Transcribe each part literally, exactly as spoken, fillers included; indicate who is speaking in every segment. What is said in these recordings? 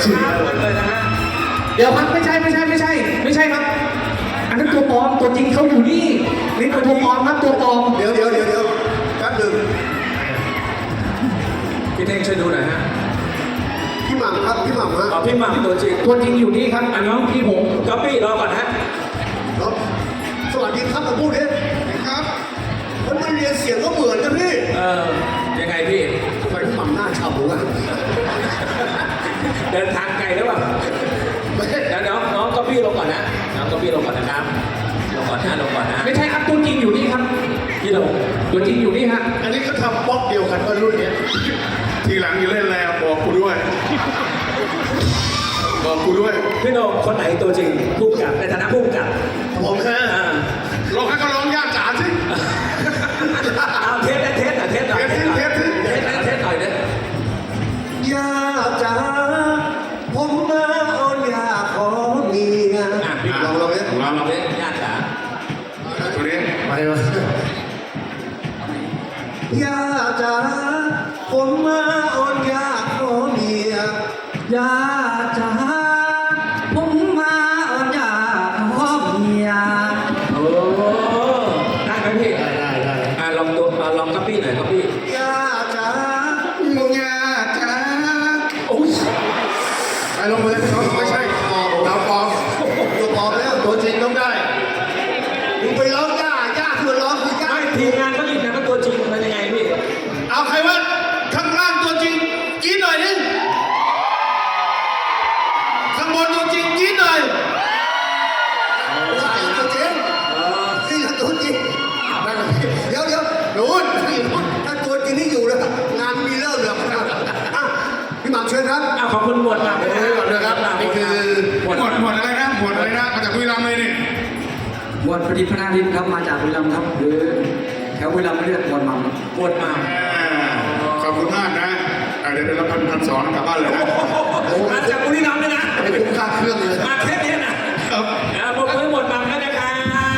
Speaker 1: ช้าเลยนะฮะ
Speaker 2: เดี๋ยวครับไม่ใช่ไม่ใช่ไม่ใช่ไม่ใช่ครับ อันนั้นตัวปลอมตัวจริงเขาอยู่นี่นี่ตัวปลอมครับตัวปลอม
Speaker 3: เดี๋ยวเดี๋ยวเดี๋ยวเดี๋ยวแป๊บหนึ่ง
Speaker 1: พี่เท่งช่วยดูหน่อยฮะ
Speaker 3: พี่หม่ำครับพี่หม่ำฮะ
Speaker 1: เอาพี่หม่ำตัวจริง
Speaker 2: ตัวจริงอยู่นี่ครับอันน้องพี่ผม
Speaker 1: ก๊อปปี้รอก่อนฮะ
Speaker 3: ครับสวัสดีครับมาพูดดิครับมันมาเรียนเสียงก็เหมือนกันพี่
Speaker 1: เออยังไงพี่
Speaker 3: ทำไมพี่หม่ำหน้าฉ่ำวะ
Speaker 1: เดินทางไกลหรือเปล่า
Speaker 3: ไม่ใช่
Speaker 1: เดี๋ยวน้องน้องก๊อปปี้ลงก่อนนะน้องก๊อปปี้ลงก่อนนะครับลงก่อนนะลงก่อนนะ
Speaker 2: ไม่ใช่ครับตัวจริงอยู่นี่ครับ
Speaker 1: พี่ลง
Speaker 2: ตัวจริงอยู่นี่ฮะ
Speaker 3: อันนี้ก็ทำบล็อกเดียวกันก็รุ่นเนี้ย
Speaker 4: ทีหลังอย่าเล่นแล้วบอกกูด้วย บอกกูด้วย
Speaker 1: พี่โนคนไหนตัวจริงผู้กำกับในฐานะผู้กำกับ
Speaker 3: ผมแค่
Speaker 1: อ่า
Speaker 4: ลองให้เขาร้องย่าจ๋าสิ
Speaker 1: เอาเทสนะเทสนะเทสหน่อย
Speaker 4: เทสเทสเทส
Speaker 1: เทสนะเทสหน่อยเด้อย
Speaker 3: าจ๋าผมมาอ่อนยาขอเมีย
Speaker 1: อ่ะพี่
Speaker 3: ลองลองเนี่ย
Speaker 1: ลองลองเล่นญาติจ๋า
Speaker 4: ตัวนี้
Speaker 3: ไปวะยาจ๋าผมมาอ่อนยาขอเมีย
Speaker 2: ยาจ๋าผมมาอ่อนยาขอเมีย
Speaker 1: โอ้ได้ไหมพี่
Speaker 3: ได้ได้ได้
Speaker 1: อ่ะลองตัวอ่ะลองก๊อปปี้หน่อยก๊อปปี้
Speaker 3: ยาจ๋า
Speaker 4: มึงย่าจ๋า
Speaker 1: โอ้ย
Speaker 3: ไปลงมือเขาไม่ใช่ปลอม
Speaker 4: เราปลอม
Speaker 3: ตัวปลอมแล้วตัวจริงต้องได้มึงไปร้องย่าย่าที่มันร้องคือย่า
Speaker 1: ไม่ทีมงานก็ยืนยันว่าตัวจริงมันยังไงพี่
Speaker 3: เอาใครวะข้างล่างตัวจริงกรี๊ดหน่อยนึงข้างบนตัวจริงกรี๊ดหน่อยใช่ตัวจริง
Speaker 1: เออ
Speaker 3: นี่คือตัวจริงนั่นแหละเดี๋ยวเดี๋ยวนู้นนี่นู้นถ้าตัวจริงนี่อยู่แล้วงานมีเริ่มแล้วอ่ะพี่หม่ำเชิญครับ
Speaker 1: อ่ะขอบคุณหมวดมา
Speaker 3: เดี๋ยวก่อนนะครับนี่คือ
Speaker 1: หมวด
Speaker 4: หมดหมดอะไรนะหมดอะไรนะมาจากคุยรำเลยนี่
Speaker 2: หมวดประดิษฐ์พนาทิพย์ครับมาจากบุรีรัมย์ครับหรือแถวบุรีรัมย์เรียกหมวดหม่ำ
Speaker 1: หมวดมา
Speaker 4: ขอบคุณมากนะอ่ะเดี๋ยวเดี๋ยวเราพันพันสองกลับบ้านเลยนะ
Speaker 1: มาจากบุรีรัมย์เลยนะ
Speaker 3: ไม่คุ้มค่าเครื่องเลย
Speaker 1: มาแค่นี้นะอ่ะผมไม่หมดบังแล้วนะครับ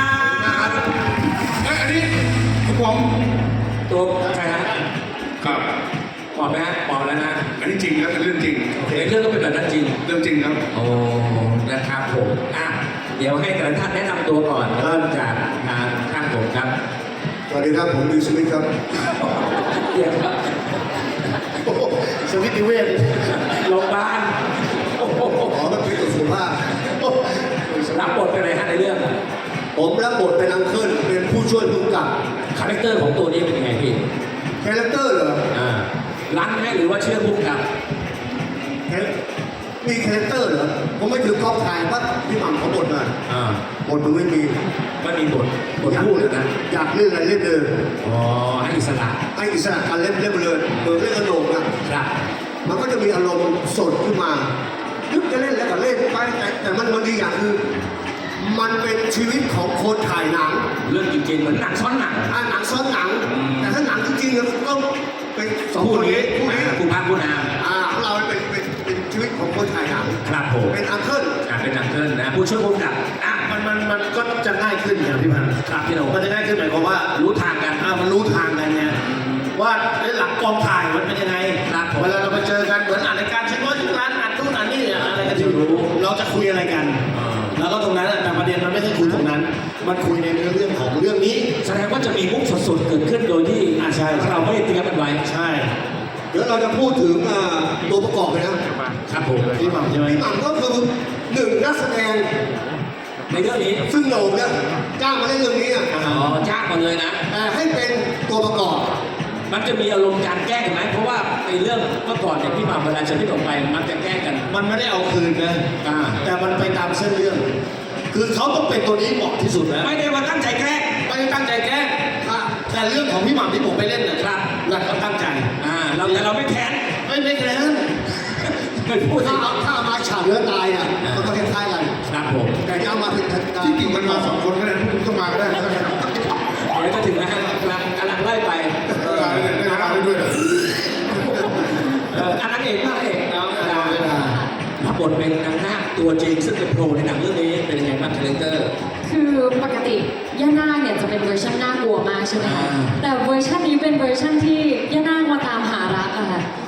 Speaker 4: เอ้ยอันนี้ผม
Speaker 1: ตัวใครฮะ
Speaker 4: ครับ
Speaker 1: ปลอบไหมฮะปลอบแล้วนะ
Speaker 4: อันนี้จริงแล้วเป็นเรื่องจริง
Speaker 1: ในเรื่องก็เป็นแบบนั้นจริง
Speaker 4: เรื่องจริงครับ
Speaker 1: โอ้ นะครับผมอ่ะเดี๋ยวให้แต่ละท่านแนะนำตัวก่อนเริ่มจากทางข้างผมครับ
Speaker 3: สวัสดีครับผมวิวสมิธครับ
Speaker 1: เดี๋ยวครับ
Speaker 3: โอ้โหสมิธนิเวศ
Speaker 1: โรงพยาบาลโอ้โห
Speaker 3: ขอมาคุยกับสุภาพโอ้โห
Speaker 1: รับบทเป็นอะไรฮะในเรื่อง
Speaker 3: ผมรับบทเป็นอังเคิลเป็นผู้ช่วยผู้กำกับ
Speaker 1: คาแรคเตอร์ของตัวนี้เป็นยังไงพี่
Speaker 3: คาแรคเตอร์เหรอ
Speaker 1: อ่ารันไหมหรือว่าเชื่อพุ่มกับ
Speaker 3: แคมีคาแรคเตอร์เหรอผมไม่ถือกล้องถ่ายว่าพี่หม่ำเขาบทมา
Speaker 1: อ่า
Speaker 3: บทมันไม่มี
Speaker 1: ไม่มีบทบท
Speaker 3: อยาก
Speaker 1: พูดเลยนะ
Speaker 3: อยากเล่นอะไรเล่นเลย
Speaker 1: อ๋อให้อิสระ
Speaker 3: ให้อิสระการเล่นเล่นไปเลยเหมือนเล่นกระโหลกนะครับ มันก็จะมีอารมณ์สดขึ้นมานึกจะเล่นแล้วก็เล่นไปแต่แต่มันมันดีอย่างคือ มันเป็นชีวิตของคนถ่ายหนัง
Speaker 1: เรื่องจริงๆเหมือนหนังซ้อนหนัง
Speaker 3: อ่ะหนังซ้อนหนัง
Speaker 1: อืม
Speaker 3: แต่ถ้าหนังจริงๆเนี่ยต้องเป็นสอง
Speaker 1: ผู้
Speaker 3: คน
Speaker 1: นี้
Speaker 3: นี้คู่นี้
Speaker 1: ผู้พักผู้นาม
Speaker 3: อ่าของเราเป็นเป็นเป็นชีวิตของคนถ่ายหนัง
Speaker 1: ครับผม
Speaker 3: เป็นอังเคิล
Speaker 1: อ่าเป็นหนังเกินนะผู้ช่วยพุ่มกับอ่ะ
Speaker 5: มันมันมันก็จะง่ายขึ้นอย่างพี่พันธุ์
Speaker 1: ครับพี่โหนง
Speaker 5: มันจะง่ายขึ้นหมายความว่า
Speaker 1: รู้ทางกัน
Speaker 5: อ่ามันรู้ทางกันเนี่ยว่าไอ้หลังกองถ่ายมันเป็นยังไง
Speaker 1: ครับผม
Speaker 5: เวลาเราไปเจอกันเหมือนอ่านรายการชิ้นน้อยชิ้นร้านอ่านนู่นอ่านนี่อะไรกันที่รู้เราจะคุยอะไรกัน
Speaker 1: อ่า
Speaker 5: แล้วก็ตรงนั้นอะแต่ประเด็นมันไม่ใช่คุยตรงนั้น มันคุยในเนื้อเรื่องของเรื่องนี้
Speaker 1: แสดงว่าจะมีมุกสดๆเกิดขึ้นโดยที่
Speaker 5: อ่าใช่
Speaker 1: เราไม่ได้เตรียมกันไว้
Speaker 5: ใช่
Speaker 3: เดี๋ยวเราจะพูดถึงอ่าตัวประกอบเลยนะครับ
Speaker 1: ผม
Speaker 5: พี่หม่ำใช่ไหม
Speaker 3: พี่หม่ำก็คือหนึ่งนักแสดง
Speaker 1: ในเรื่องนี้
Speaker 3: ซึ่งโหน่งเนี่ยจ้างมาเล่นเรื่องนี้อ่ะ
Speaker 1: อ๋อจ้างมาเลยนะ
Speaker 3: แต่ให้เป็นตัวประกอบ
Speaker 1: มันจะมีอารมณ์การแกล้งไหมเพราะว่าในเรื่องเมื่อก่อนเนี่ยพี่หมาเวลาเจอพี่หนุ่มไปมันจะแกล้งกัน
Speaker 5: มันไม่ได้เอาคืนนะ
Speaker 1: อ่า
Speaker 5: แต่มันไปตามเส้นเรื่อง คือเขาต้องเป็นตัวนี้เหมาะที่สุดแล้ว
Speaker 1: ไม่ได้ว่าตั้งใจแกล้ง
Speaker 5: ไม่ได้ตั้งใจแกล้งแต่เรื่องของพี่หม่ำที่ผมไปเล่นน่ะ
Speaker 1: ครับ
Speaker 5: นั่นเขาตั้งใจ
Speaker 1: อ่าเราแต่เราไม่แค้น
Speaker 5: ไม่ไม่แกล้ง
Speaker 1: ไม่พูด
Speaker 3: ถ้าเอาถ้าเอามาฉากเนื้อตายอ่ะมันก็คล้ายๆกัน
Speaker 1: ครับผม
Speaker 3: แต่ที่เอามาเป็นการ
Speaker 4: ที่จริงมันมาสองคนก็ได้พวกต้องมาก็ได้นะ
Speaker 1: เดี๋ยวจะถึงนะฮะกำลังกำลังไล่ไป
Speaker 4: เออได้ได้ได้ด้วย
Speaker 1: เอออันนั้นเองพระเอกเอาเวลาเวลารับบทเป็นนางนาคตัวจริงซึ่งเป็นโปรในหนังเรื่องนี้เป็นยังไงบ้างคาแรคเตอร์
Speaker 6: คือปกติย่านาคเนี่ยจะเป็นเวอร์ชันน่ากลัวมากใช่ไหมคะ
Speaker 1: อ่า
Speaker 6: แต่เวอร์ชันนี้เป็นเวอร์ชันที่ย่านาคมาตามหารักอะค่ะ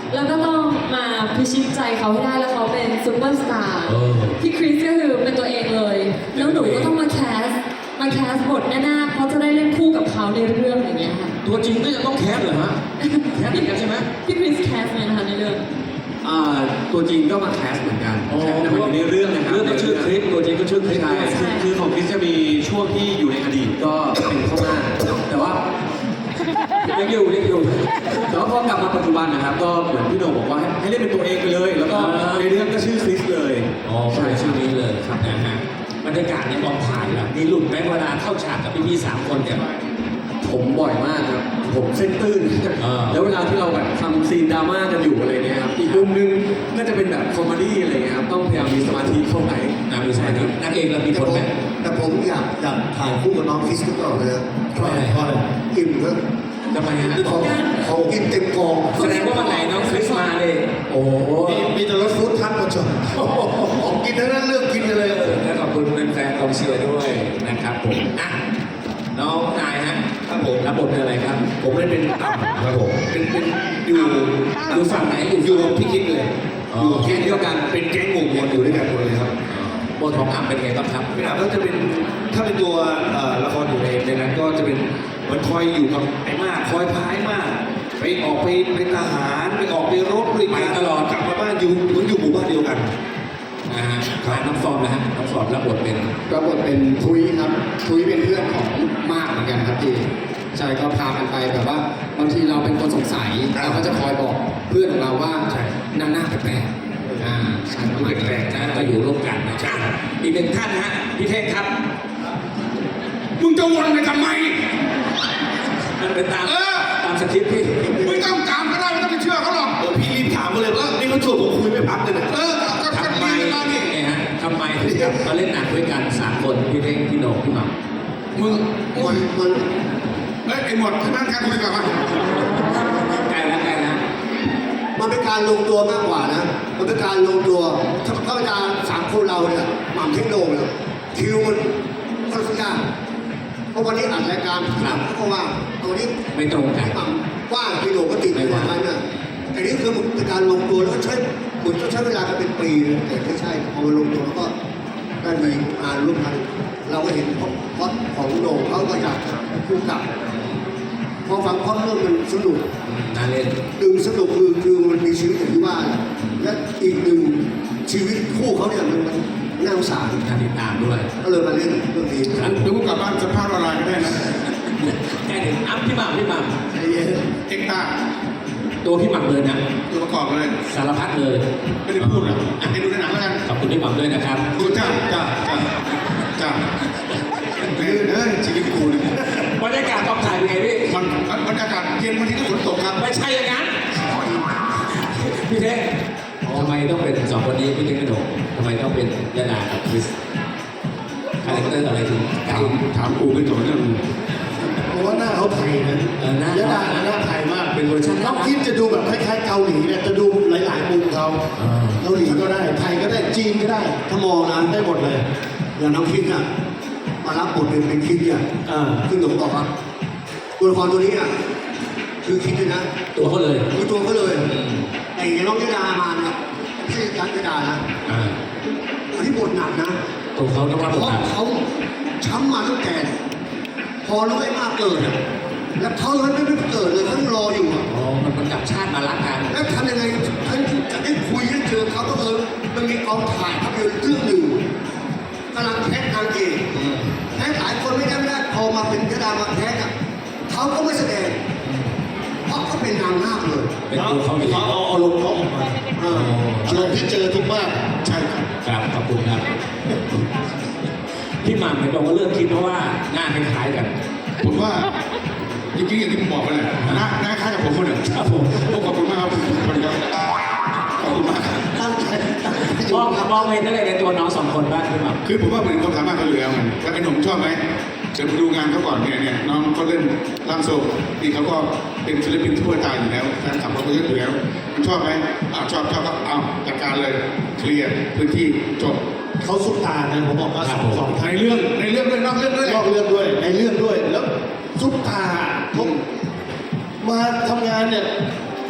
Speaker 6: แล้วก็ต้องมาพิชิตใจเขาให้ได้แล้วเขาเป็นซูเปอร์สตาร์
Speaker 1: เออ
Speaker 6: พี่คริสก็คือเป็นตัวเองเลย แล้วหนูก็ต้องมาแคสมาแคสบทแน่ๆเพราะจะได้เล่นคู่กับเขาในเรื่องอย่างเงี้ยค่ะ
Speaker 1: ตัวจริงก็จะต้องแคสเหรอฮะแคสเหมือนกันใช่ไหม
Speaker 6: พี่คริสแคสไหมนะคะในเรื่อง
Speaker 2: อ่าตัวจริงก็มาแคสเหมือนกัน
Speaker 1: อ๋อ
Speaker 2: แต่มันอยู่ในเรื่องนะครับ
Speaker 1: เรื่องก็ชื่อคลิปตัวจริงก็ชื่อคลิป
Speaker 2: ใช่
Speaker 6: ใช่
Speaker 2: คือคือของคริสจะมีช่วงที่อยู่ในอดีตก็เป็นเข้ามาแต่ว่า
Speaker 1: ยังอยู่ยังอยู่
Speaker 2: แต่ว่าพอกลับมาปัจจุบันนะครับ ก็เหมือนพี่โหน่งบอกว่าให้ให้เล่นเป็นตัวเองไปเลย แล้วก็
Speaker 1: อ่า
Speaker 2: ในเรื่องก็ชื่อคริสเลย
Speaker 1: อ๋อใช่ชื่อนี้เลยครับนะฮะบรรยากาศในกองถ่ายล่ะมีหลุดไหมเวลาเข้าฉากกับพี่ๆสามคนเนี่ย
Speaker 2: ผมบ่อยมากครับ ผมเส้นตื้น
Speaker 1: อ่า
Speaker 2: แล้วเวลาที่เราแบบทำซีนดราม่ากันอยู่อะไรเงี้ยครับ อีกมุมนึงก็จะเป็นแบบคอมเมดี้อะไรเงี้ยครับ ต้องพยายามมีสมาธิเข้าไป
Speaker 1: นางมีสมาธินางเอกเรามี
Speaker 3: แต่
Speaker 1: ผ
Speaker 3: ผ
Speaker 1: ล
Speaker 3: ม
Speaker 1: ไหม
Speaker 3: แต่ผมอยากอยากถ่ายคู่กับน้องคริสตลอดเลยนะ
Speaker 1: เพราะอะไรเพราะอะไร
Speaker 3: อิ่มแล้ว
Speaker 1: ทำไมฮะ
Speaker 3: ของของกินเต็มกอง
Speaker 1: แสดงว่าวันไหนน้องคริสมาเลยโอ้โห
Speaker 3: มีมีแต่รถฟู้ดทักมาจอดของกินทั้งนั้นเลือกกินกันเลย
Speaker 1: และขอบคุณแฟนๆกองเชียร์ด้วยนะครับผมอ่ะน้องนายฮะ
Speaker 5: ครับผม
Speaker 1: รับบทเป็นอะไรครับ
Speaker 5: ผมได้เป็นต่ำครับผมเป็นเป็นอยู่
Speaker 1: อยู่ฝั่งไหนอยู่
Speaker 5: อยู่กับพี่คิดเลย
Speaker 1: อ๋อ
Speaker 5: อยู่แก๊งเดียวกันเป็นแก๊งหมู่มวลอยู่ด้วยกันหมดเลยครับ
Speaker 1: บทของอ่ำเป็นไงบ้างครับ
Speaker 5: พี่ดาบก็จะเป็นถ้าเป็นตัวเอ่อละครอยู่ในในนั้นก็จะเป็นเหมือนคอยอยู่กับไอ้มากคอยพายมากไปออกไปเป็นทหารไปออกไปรบด้วยกัน
Speaker 1: ไปตลอด
Speaker 5: กลับมาบ้านอยู่เหมือนอยู่หมู่บ้านเดียวกัน
Speaker 1: นะฮะน้องฟอร์มนะฮะน้องฟอร์มรับบทเป็น
Speaker 2: รับบทเป็นทุยครับ ทุยเป็นเพื่อนของมากเหมือนกันครับพี่ใช่ก็พากันไปแบบว่าบางทีเราเป็นคนสงสัยเราก็จะคอยบอกเพื่อนของเราว่า
Speaker 5: ใช่
Speaker 2: นางหน้าแปลกๆอ่าใช่ประมาณ
Speaker 1: แปล
Speaker 2: นั้น
Speaker 1: กๆนะก็อยู่ร่วมกันนะจ๊ะอีกหนึ่งท่านนะฮะพี่เท่งครับ
Speaker 4: มึงจะวนไปทำไม
Speaker 1: มันเป็นตาม
Speaker 4: เออ
Speaker 1: ตามสคริปต์พี่
Speaker 4: ไม่ต้องตามก็ได้ไม่ต้องไปเชื่อเขาหรอก
Speaker 5: เออพี่รีบถามมาเลยว่านี่เขาชวนผมคุยไม่พักเลยนะ
Speaker 4: เออก็ก็
Speaker 1: ทำไม
Speaker 4: ดีมาดิ
Speaker 1: เนี่ยฮะทำไมถึงกับมาเล่นหนังด้วยกันสามคนพี่เท่งพี่โหน่งพี่หม่ำ
Speaker 4: มึง
Speaker 3: มันมัน
Speaker 4: เฮ้ยไอ้หมดนั่งกันคุยกันมา
Speaker 1: ใกล้แล้วใกล้แล้ว
Speaker 3: มันเป็นการลงตัวมากกว่านะ มันเป็นการลงตัวถ้าถ้าเป็นการสามคนเราเนี่ยหม่ำเทคโนโลยีคิวมันค่อนข้างยากเพราะวันนี้อัดรายการถามเขาว่าตัวนี้
Speaker 1: ไม่ตรงกัน
Speaker 3: หม่ำว่างพี่โหน่งก็ติดในวันนั้นน่ะแต่นี่คือเป็นการลงตัวแล้วก็ใช้เหมือนต้องใช้เวลากันเป็นปีเลยแต่ไม่ใช่พอมันลงตัวแล้วก็ได้มีงานร่วมกันเราก็เห็นพล็อตของโหน่งเขาก็อยากคู่กับพอฟังพล็อตเรื่องมันสนุก
Speaker 1: น่าเล่น
Speaker 3: หนึ่งสนุกคือคือมันมีชีวิตอย่างที่ว่า และอีกหนึ่งชีวิตคู่เขาเนี่ยมันมันน่าสงสาร
Speaker 1: น่าติดตามด้วย
Speaker 3: ก็เลยมาเล่นเรื่องนี้
Speaker 1: ครับ
Speaker 4: เดี๋ยวกูกลับบ้านสัมภาษณ์ออนไลน์ก็ได้นะ
Speaker 1: ใกล้ถึงอ้ำพี่หม่ำพี่หม่
Speaker 3: ใจเย็น
Speaker 4: เอ็กซ์ตา
Speaker 1: ำตัวพี่หม่ำเลยนะ
Speaker 4: ตัวประกอบเลย
Speaker 1: สารพัดเลย
Speaker 4: ไม่ได้พูดอ่ะให้ดูในหนังแล้วกัน
Speaker 1: ขอบคุณพี่หม่ำด้วยนะครับ
Speaker 4: กูจ้าจ้าจ้าจ้าเฮ้ยเฮ้ยชีวิตกูเนี่ย
Speaker 1: บรรยากาศกองถ่ายเป็นไงพี่
Speaker 4: มันบรรยากาศเย็นวันที่ก็ฝนตกครับ
Speaker 1: ไม่ใช่อย่างนั้น พี่เท่งทำไมต้องเป็นสองคนนี้พี่เท่งกระโดดทำไมต้องเป็นยาดากับคริสคาแรคเตอร์อะไรถึง
Speaker 4: ถามถามกูไม่จบเรื่อง
Speaker 3: เพราะว่าหน้าเขาไทยนะ
Speaker 1: เออหน้าย
Speaker 3: ะดาหน้าไทยมาก
Speaker 1: เป็นเวอร์ชัน
Speaker 3: น้องคิดจะดูแบบคล้ายๆเกาหลีเนี่ยจะดูหลายๆมุมเขาเกาหลีก็ได้ไทยก็ได้จีนก็ได้ ถ้ามองนะได้หมดเลยอย่างน้องคิดอ่ะมารับบทเป็นเป็นคิดเนี่ยซึ่งหนูบอกว่าตัวละครตัวนี้อ่ะคือคิดเลยนะ
Speaker 1: ตัวเขาเลย
Speaker 3: คือตัวเขาเลยแต่อย่างน้องยะดามาเนี่ยไม่ใช่ยักษ์ยะดานะ
Speaker 1: อ่า
Speaker 3: อันนี้บทหนักนะ
Speaker 1: ตัวเขาต้องรับ
Speaker 3: เพ
Speaker 1: บท
Speaker 3: ราะ
Speaker 1: บาท
Speaker 3: เขาช้ำมาตั้งแต่พอรู้ไอ้มากเกิดอะแล้วเขายังไม่เกิดเลยเขายังรออยู่อะ
Speaker 1: อ๋อมันมันกลับชาติมารักกัน
Speaker 3: แล้วทำยังไงท่านจะได้คุยได้เจอเขาก็เออมันมีกองถ่ายภาพยนตร์เรื่องหนึ่งกำลังแคสนางเอกแคสหลายคนไม่ได้ไม่ได้พอมาเป็นยะดามาแคสอะเขาก็ไม่แสดงเพราะเขาเป็นนางนาคเลย
Speaker 1: เป็นตัวเขาเอง
Speaker 5: เขาเอาอารมณ์เขาออกมา
Speaker 3: เอออารมณ์ที่เจอทุกมากใช่ครับ
Speaker 1: ครับขอบคุณครับ พี่หม่ำเนี่ยบอกว่าเลือกคิดเพราะว่าหน้าคล้ายๆกัน
Speaker 4: ผมว่าจริงๆอย่างที่ผมบอกไปเลยนะนะคล้ายกับผมคนหนึ่ง
Speaker 1: ครับผม
Speaker 4: ขอบคุณมากครับสวัสดีครับขอบคุณมากครับ
Speaker 3: ตั้งใจตั้งใจ
Speaker 1: มองมองเห็นอะไรในตัวน้องสองคนบ้างพี่หม่ำ
Speaker 4: คือผมว่าเหมือนความสามารถเขาอยู่แล้วไงแล้วไอ้หนุ่มชอบไหมเดี๋ยวไปดูงานเขาก่อนเนี่ยเนี่ยน้องเขาเล่นร่างทรงนี่เขาก็เป็นศิลปินทั่วตาอยู่แล้วแฟนคลับเขาก็เยอะอยู่แล้วคุณชอบไหมอ้าวชอบชอบก็อ้าวจัดการเลยเคลียร์พื้นที่จบ
Speaker 3: เขาสุดตานะผมบอกว่าสองสอง
Speaker 4: ในเรื่องในเรื่องด้วยนอกเรื่องด้วย
Speaker 3: นอกเรื่องด้วยในเรื่องด้วยแล้วซุปตาผมมาทำงานเนี่ย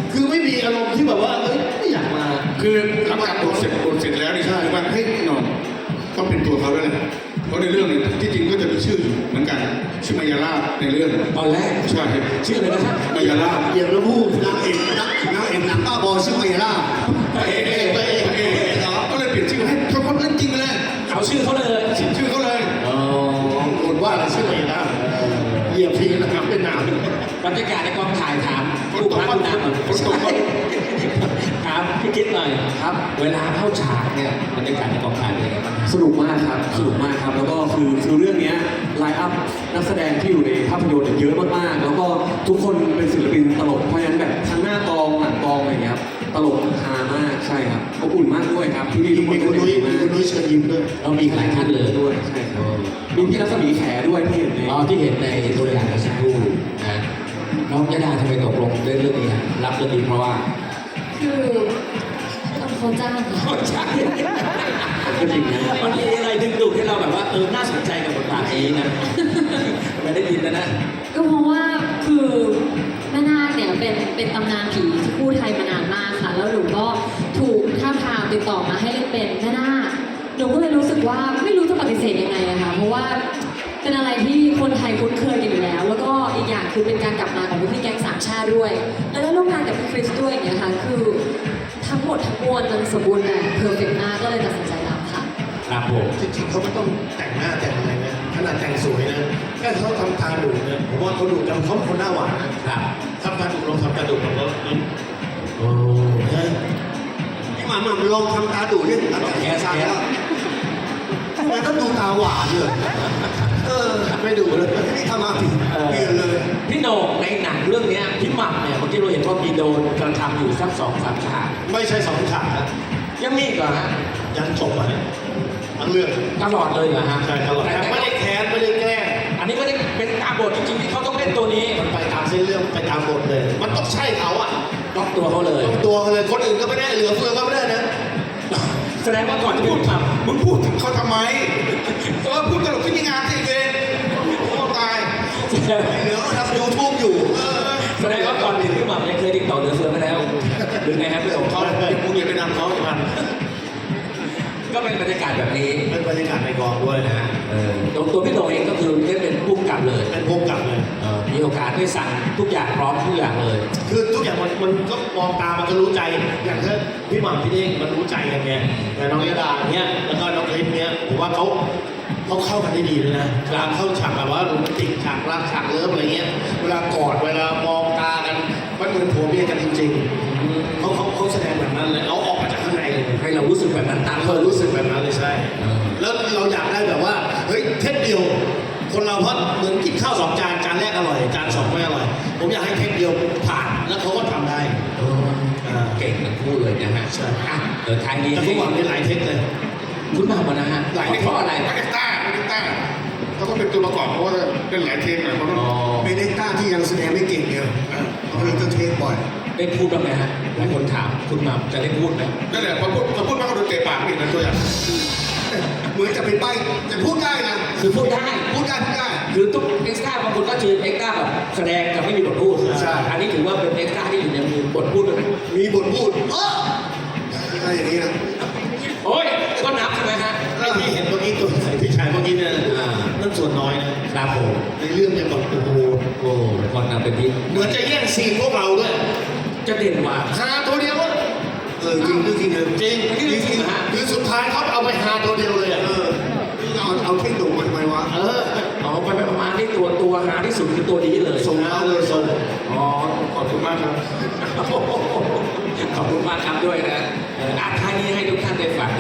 Speaker 7: คือไม่มีอารมณ์ที่แบบว่าเอ้ยไม่อยากมา
Speaker 4: คือหลังจากบทเสร็จบทเสร็จแล้วนี่ใช่ไหมว่าเฮ้ยหนอนต้องเป็นตัวเขาด้วยแหละเพราะในเรื่องนี้ที่จริงก็จะมีชื่ออยู่เหมือนกันชื่อมายาลาบในเรื่อง
Speaker 1: ตอนแรก
Speaker 4: ใช่
Speaker 1: ชื่ออะไรนะครับ
Speaker 4: มายาลาบ
Speaker 3: เยี่ยมระบูนางเอกนางนางเอกหนังบ้าบอชื่อเมล่า
Speaker 4: เอกเอกเอกเอกก็เลยเปลี่ยนชื่อให้เขาเขาเล่นจริงไปเลย
Speaker 1: เอาชื่อเขาเลย
Speaker 4: ชื่อเขาเลย
Speaker 1: อ๋อ
Speaker 7: คนว่าอะไรชื่ออะไรนะเหยียบทีนะครับเป็นหนาว
Speaker 1: บรรยากาศในกองถ่ายถามผู้พักผู้นำ
Speaker 4: ฝนตกไหม
Speaker 1: ถามพี่คิดหน่อยครับ เวลาเข้าฉากเนี่ยบรรยากาศในกองถ่ายเป็นยังไงบ้าง
Speaker 8: สนุกมากครับ สนุกมากครับ แล้วก็คือคือเรื่องเนี้ไลน์อัพนักแสดงที่อยู่ในภาพยนตร์เนี่ยเยอะมากๆ แล้วก็ทุกคนเป็นศิลปินตลก เพราะฉะนั้นแบบทั้งหน้ากองหลังกองอะไรอย่างเงี้ยครับ ตลกฮามาก ใช่ครับอบอุ่นมากด้วยครับที่นี่ทุกคน
Speaker 7: มีคุณนุ้ย
Speaker 8: มา
Speaker 7: มีคุณนุ้ยเชิญยิ้มด้วย
Speaker 1: เรามีหลายท่านเลย
Speaker 8: ด้วย ใช่ครับ มีพี่รัศมีแขด้วยที่เห็นใน
Speaker 1: อ๋อที่เห็นในตัวอย่างเมื่อสักครู่นะน้องยดาทำไมตกลงเล่นเรื่องนี้ฮะรับเรื่องนี้เพราะว่า
Speaker 6: คือเขาจ้างค่ะ
Speaker 1: ใช่
Speaker 8: ก็จริงนะ
Speaker 1: มันมีอะไรดึงดูดให้เราแบบว่าเออน่าสนใจกับบทบาทนี้นะไม่ได้ยินแล้วนะ
Speaker 6: ก็เพราะว่าคือแม่นาคเนี่ยเป็นเป็นตำนานผีที่คู่ไทยมานานมากค่ะ แล้วหนูก็ถูกท้าบทามติดต่อมาให้เล่นเป็นแม่นาคหนูก็เลยรู้สึกว่าไม่รู้จะปฏิเสธยังไงอะค่ะเพราะว่าเป็นอะไรที่คนไทยคุ้นเคยกันอยู่แล้ว แล้วก็อีกอย่างคือเป็นการกลับมาของพี่แก๊งสามชาติด้วย แล้วได้ร่วมงานกับพี่คริสด้วยอย่างเงี้ยค่ะคือทั้งหมดทั้งมวลมันสมบูรณ์แบบเพอร์เฟกต์มากก็เลยตัดสินใจรับค่ะ
Speaker 1: ครับผม
Speaker 7: จริงๆเขาไม่ต้องแต่งหน้าแต่งอะไรนะขนาดแต่งสวยนะแค่เขาทำตาดุเนี่ยผมว่าเขาดุแต่เขาเป็นคนหน้าหวานนะครับ ทำตาดุลองทำตาดุเราก็ยิ้ม
Speaker 1: โอ้
Speaker 7: นะ
Speaker 3: พี่หมามาลองทำตาดูดิหลังจากแย่ซาแล้วทำไมต้องดูตาหวานเลยเออ
Speaker 7: ไม่ดุเลย
Speaker 3: นี่ทำมาผิดเปลี่ยนเลย
Speaker 1: พี่โหน่งในหนังเรื่องเนี้ยพี่หม่ำเนี่ยเมื่อกี้เราเห็นว่ามีโดนกระทำอยู่สักสองสามฉาก
Speaker 7: ไม่ใช่สองฉากนะ
Speaker 1: ยังมีอีกเหรอฮะ
Speaker 7: ยังจบอ่ะทั้งเรื่อง
Speaker 1: ตลอดเลยเหรอฮะ
Speaker 7: ใช่ตลอด
Speaker 1: แต่
Speaker 7: ไม่ได้แค้นไม่ได้แกล้ง
Speaker 1: อันนี้ก็ได้เป็นตามบทจริงๆที่เขาต้องเล่นตัวนี้
Speaker 7: มันไปตามเส้นเรื่องไปตามบทเลย มันต้องใช่เขาอ่ะ
Speaker 1: ล็อกตัวเขาเลย
Speaker 7: ต้องตัวเขาเลยคนอื่นก็ไม่ได้เหลือเฟือก็ไม่ได้นะ
Speaker 1: แสดงว่าก่อนจะเป็น
Speaker 4: พูด
Speaker 1: พี่หม่ำ
Speaker 4: มึงพูดถึงเขาทำไมเออพูดตลกที่มีงานที่เองโอ้ตาย
Speaker 3: เหลือก็ทำยูทูบอยู่
Speaker 4: เออ
Speaker 1: แสดงว่าก่อนเป็นพี่หม่ำเนี่ยเคยติดต่อเหลือเฟือมาแล้วหรือไงครับพี่โอ๋
Speaker 4: เขามึงอย่าไปนำเขาจะมัน
Speaker 1: ก็เป็นบรรยากาศแบบนี้
Speaker 7: เป็นบรรยากาศในกองด้วยนะฮะ
Speaker 1: เออตัวตัวพี่โตเองก็คือได้เป็นผู้กำกับเลย
Speaker 7: เป็นพวกกลับเลย
Speaker 1: เออมีโอกาสได้สั่งทุกอย่างพร้อมทุกอย่างเลย
Speaker 7: คือทุกอย่างมันมันก็มองตามันก็รู้ใจ อย่างถ้าพี่หม่ำพี่เด้งมันรู้ใจกันไงแต่น้องยดาเนี้ยแล้วก็น้องคลิปเนี้ยผมว่าเขาเขาเข้ากันได้ดีเลยนะเวลาเข้าฉากแบบว่าโรแมนติกฉากรักฉากเลิฟอะไรเงี้ย เวลากอดเวลามองตากันมันเหมือนผัวเมียกันจริงๆเขาเขาเขาแสดงแบบนั้นเลยเอาออกมาจากข้างในเลย
Speaker 1: ให้เรารู้สึกแบบนั้นตาม
Speaker 7: เค
Speaker 1: เขา
Speaker 7: ยรู้สึกแบบนั้นเลยใช่
Speaker 1: เออ
Speaker 7: แล้วเราอยากได้แบบว่าเฮ้ยเทคเดียว คนเราเพราะเหมือนกินข้าวสองจานจานแรกอร่อยจานสองไม่อร่อย ผมอยากให้เทคเดียวผ่านแล้วเขาก็ทำได้
Speaker 1: เออเก่งทั้งคู่เลยนะฮะ
Speaker 7: ใช่
Speaker 1: อ่ะเดี๋ยวท้ายนี้
Speaker 7: แต่
Speaker 1: ให้
Speaker 7: ทุกวันนี้หลายเทคเลย
Speaker 1: คุณหม่ำมานะฮะ
Speaker 4: หลาย
Speaker 1: เพราะอะไร
Speaker 4: หลายเอ็กซ์ต้าหลายเอ็กซ์ต้าเขาก็เป็นตัวประกอบเพราะว่าเล่นหลายเทปหน่อยเพราะว่า
Speaker 1: อ๋อ
Speaker 3: เป็นเอ็กต้าที่ยังแสดงไม่เก่งเนี่ยเขาเลยต้องเทคบ่อย
Speaker 1: ได้พูดบ้างไหมฮะหลายคนถามคุณหม่ำจะได้พูดไหม
Speaker 4: นั่นแหละพอพูดพอพูดมากก็โดนเตะปากอีกนะตัวอย่าง
Speaker 3: เหมือนจะเป็นใบแต่พูดได้นะ
Speaker 1: คือพูดได้
Speaker 3: พูดได้พูดได้
Speaker 1: คือทุกเอ็กซ์ตร้าบางคนก็คือเอ็กซ์ตร้าแบบแสดงกับไม่มีบทพูด
Speaker 3: ใช่
Speaker 1: อันนี้ถือว่าเป็นเอ็กซ์ตร้าที่อยู่ในมือบทพูดด้วยไหม
Speaker 3: มีบทพูดเอออะไรอย่างนี้นะ
Speaker 1: โอ้ยก็นับใช่ไหมฮะ
Speaker 7: ไอ้ที่เห็นเมื่อกี้ตัวใส่พี่ชายเมื่อกี้เนี่ย
Speaker 1: อ่า
Speaker 7: นั่นส่วนน้อยนะครับ
Speaker 1: ผม
Speaker 7: ในเรื่องเนี่ยแบบโอ้โห
Speaker 1: โอ้คนนำเป็นที่
Speaker 7: เหมือนจะแย่งซีนพวกเราด้วย
Speaker 1: จะเด่นกว่า
Speaker 7: หาตัวเดียวอะ
Speaker 3: เออจริงจริงจริงเลย
Speaker 7: จริง
Speaker 1: นี่เรื่องจริงเหรอฮะ
Speaker 7: คือสุดท้ายเขาเอาไปหาตัวเดียวเลยอะ
Speaker 3: เออเอาเอาเทคโนมาทำไมวะ
Speaker 7: เออ
Speaker 1: เอาไปไปประมาณที่ตัวตัวหาที่สุดคือตัวนี้เลย
Speaker 3: ส่งเอาเลยส่ง
Speaker 1: อ๋อขอบคุณมากครับ ขอบคุณมากครับด้วยนะเอออ่ะท้ายนี้ให้ทุกท่านได้ฟัง